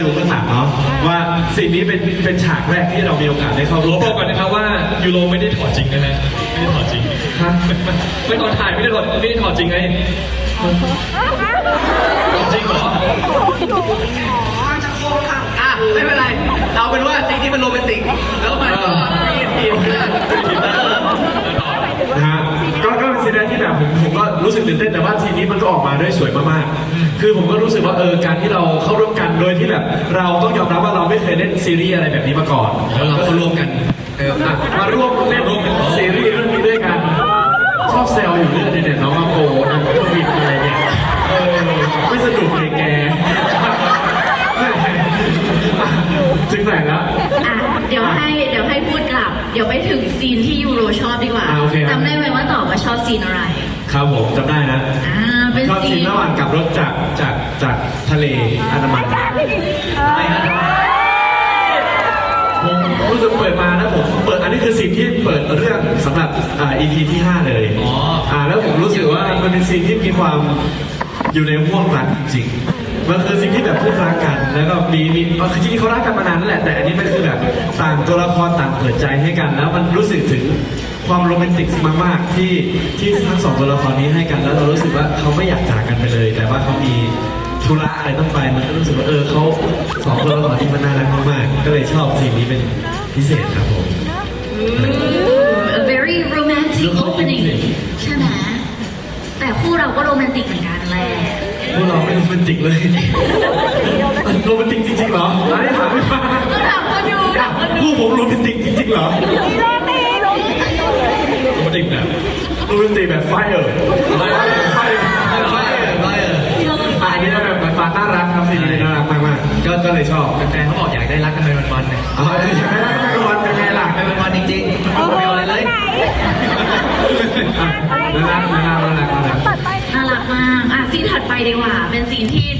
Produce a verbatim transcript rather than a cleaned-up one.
ดูเบื้องหลังเนาะว่าสิ่งนี้เป็นเป็นฉากแรกที่เรามีโอกาสได้เข้าร่วมบอกก่อนนะครับว่ายูโรไม่ได้ถอดจริงนะฮะไม่ได้ถอดจริงฮะไม่ตอนถ่ายไม่ได้ถอดไม่ได้ถอดจริงไงจริงเหรออ่ะไม่เป็นไรเอาเป็นว่าสิ่งที่มันโรแมนติกแล้วมันก็มีทีมเพื่อนนะฮะก็ก็เป็นซีนแรกที่แบบผมผมก็รู้สึกตื่นเต้นแต่ว่าทีนี้มันก็ออกมาได้สวยมากๆคือผมก็รู้สึกว่าเออการที่เราเข้าร่วมกันโดยที่แบบเราต้องยอมรับว่าเราไม่เคยเล่นซีรีส์อะไรแบบนี้มาก่อนแล้วเราก็ร่วมกันเอออ่ะมาร่วมเล่นซีรีส์เรื่องนี้ด้วยกันชอบแซวอยู่เรื่องนี้เนี่ยน้องมาโกน้องทวินอะไรเนี่ยเออไม่สนุกเลยแกถึงไหนแล้วอ่ะเดี๋ยวให้เดี๋ยวให้พูดกลับ เดี๋ยวไปถึงซีนที่ยูโรชอบดีกว่าอ่าโอเคครับจำได้ไหมว่าตอบว่าชอบซีนอะไรครับผมจำได้นะอ่าเป็นชอบซีซีนนระหว่างกลับรถจากจากจากทะเลอันดามันไม่ฮะผมรู้สึกเปิดมาแล้วผมเปิดอันนี้คือซีนที่เปิดเรื่องสำหรับอ่า อี พี ที่ห้าเลยอ๋ออ่าแล้วผมรู้สึกว่ามันเป็นซีนที่มีความอยู่ในห่วงรักจริงๆมันคือซีนที่แบบพูดรักกัน แล้วก็มีมีคือจริงๆเขารักกันมานานแล้วแหละแต่อันนี้มันคือแบบต่างตัวละครต่างเปิดใจให้กัน แล้วมันรู้สึกถึงความโรแมนติกมากๆที่ที่ทั้งสองตัวละครนี้ให้กันแล้วเรารู้สึกว่าเขาไม่อยากจากกันไปเลย แต่ว่าเขามีธุระอะไรต้องไปมันก็รู้สึกว่าเออเขาสองตัวละครที่มันน่ารักมากๆก็เลยชอบซีนนี้เป็นพิเศษครับผม a very romantic opening ใช่ไหมแต่คู่เราก็โรแมนติกเหมือนกันแหละพวกเราไม่โรแมนติกเลยโรแมนติกจริงๆเหรออันนี้ถามไม่มาก็ถามคนดูถามคนดูคู่ผมโรแมนติกจริงๆเหรอโรแมนติกแบบโรแมนติกแบบไฟเออร์ไฟเออร์ไฟเออร์ไม่เออไม่เอออันนี้ก็แบบเหมือนปาน่ารักครับซีนี้น่ารักมากๆก็ก็เลยชอบแฟนๆเขาบอกอยากได้รักกันเป็นวันๆเนี่ยอ๋อใช่ไหมทุกวันเป็นไงล่ะเป็นวันๆจริงๆไม่เอาอะไรเลยน่ารักน่ารักน่ารักน่ารักน่ารักมากอ่ะซีนถัดไปดีกว่า เป็นซีนที่